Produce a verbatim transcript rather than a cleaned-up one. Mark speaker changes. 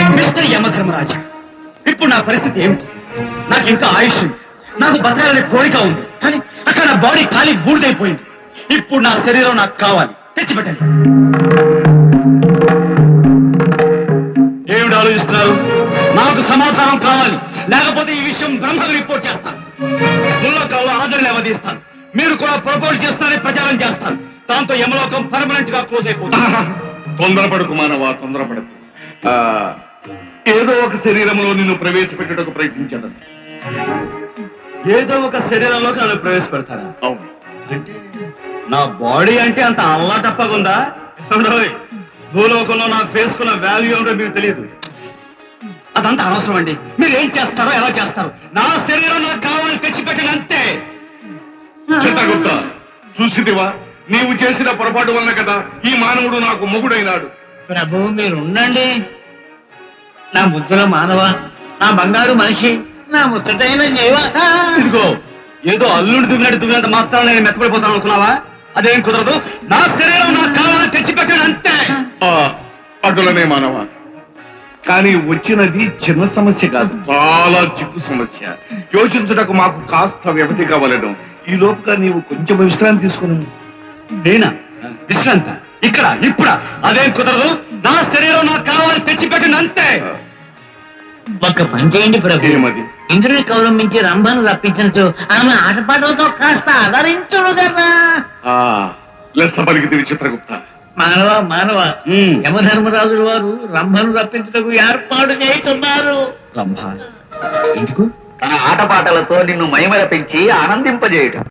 Speaker 1: Mister యమధర్మరాజా, ఇప్పుడు నా పరిస్థితి ఏమిటి? నాకు ఇంకా ఆయుష్ ఉంది, నాకు బతకాలనే కోరిక ఉంది, కానీ అక్కడ నా బాడీ ఖాళీ బూడిదైపోయింది. ఇప్పుడు నా శరీరం నాకు కావాలి, తెచ్చిపెట్టండి. ఏమిటి ఆలోచిస్తున్నారు? నాకు సమాధానం కావాలి, లేకపోతే ఈ విషయం బ్రహ్మకు రిపోర్ట్ చేస్తాను. ముల్లకాల్లో ఆదరణ అవధిస్తాను. మీరు కూడా ప్రపోజ్ చేస్తారని ప్రచారం చేస్తాను. దాంతో యమలోకం పర్మనెంట్ గా క్లోజ్ అయిపోతుంది.
Speaker 2: తొందరపడకు మానవా, తొందరపడకు. ఏదో ఒక శరీరంలో నిన్ను ప్రవేశపెట్టడానికి ప్రయత్నించడం.
Speaker 1: ఏదో ఒక శరీరంలోకి నన్ను ప్రవేశపెడతారా?
Speaker 2: అవును.
Speaker 1: అంటే నా బాడీ అంటే అంత అల్లాటప్పగుందా? భూలోకంలో నా ఫేస్ కున్న వాల్యూ ఏమిటో మీకు తెలియదు. అదంతా అనవసరం అండి. మీరు ఏం చేస్తారో ఎలా చేస్తారు, నా శరీరం నాకు కావాలని తెచ్చిపెట్టండి అంతే.
Speaker 2: చిత్తగుప్త, చూసిదివా, నీవు చేసిన పొరపాటు వల్ల కదా ఈ మానవుడు నాకు మొగుడైనాడు.
Speaker 3: ప్రభు మీరు ఉండండి. నా ముద్దుల మానవ, నా బంగారు మనిషి, నా ముచ్చటైన జీవ.
Speaker 1: ఇదిగో ఏదో అల్లుడు దువ్వినట్టు దువ్వినంత మాత్రం నేను మెత్తపడిపోతాను అనుకున్నావా? అదేం కుదరదు. నా శరీరం నాకు కావాలని తెచ్చిపెట్టాను అంతే.
Speaker 2: అటులనే మానవ, కానీ వచ్చినది చిన్న సమస్య కాదు, చాలా చిక్కు సమస్య. యోచించుటకు మాకు కాస్త వ్యవధి కావాలను. ఈ లోపుగా నీవు కొంచెం విశ్రాంతి తీసుకుని.
Speaker 1: నేనా విశ్రాంత? ఇక్కడ ఇప్పుడా? అదేం కుదరదు. నా శరీరం నాకు కావాలని తెచ్చిపెట్టాను అంతే.
Speaker 3: ఒక్క పని చేయండి ప్రభు.
Speaker 2: ఏమది?
Speaker 3: ఇంద్రుని కౌరమించి రంభను రప్పించచ్చు, ఆమె ఆటపాటలతో కాస్త ఆదరించుడు కదా.
Speaker 2: లెస్స పలికితే చిత్రగుప్త.
Speaker 3: మానవ మానవ, యమధర్మరాజుల వారు రంభను రప్పించుటకు ఏర్పాటు చేస్తున్నారు.
Speaker 1: రంభ ఎందుకు?
Speaker 4: తన ఆటపాటలతో నిన్ను మైమరపించి ఆనందింపజేయటం.